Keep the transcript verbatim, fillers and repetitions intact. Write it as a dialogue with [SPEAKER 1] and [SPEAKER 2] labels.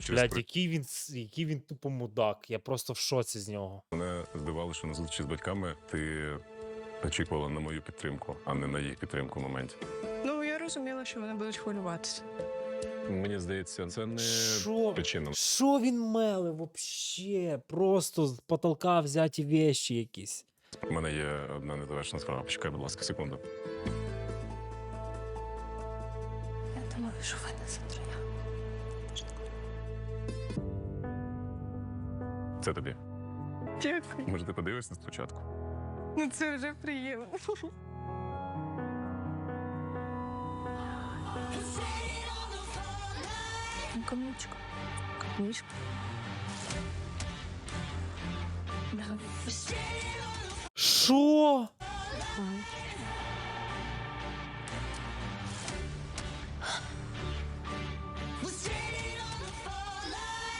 [SPEAKER 1] Блядь, який він, с- який він тупо мудак. Я просто в шоці з нього.
[SPEAKER 2] Мене здивувало, що на зустрічі з батьками ти очікувала на мою підтримку, а не на їх підтримку в моменті.
[SPEAKER 3] Ну, я розуміла, що вони будуть хвилюватися.
[SPEAKER 2] Мені здається, це не
[SPEAKER 1] Що?
[SPEAKER 2] причина.
[SPEAKER 1] Що він меле вообще? Просто з потолка взяті вещі якісь.
[SPEAKER 2] У мене є одна незавершена справа. Почекай, будь ласка, секунду.
[SPEAKER 3] Я думаю, що ви не затроя.
[SPEAKER 2] Це тобі.
[SPEAKER 3] Дякую.
[SPEAKER 2] Може, ти подивишся спочатку?
[SPEAKER 3] Ну це вже приємно. Камничка. Камничка.
[SPEAKER 1] Що?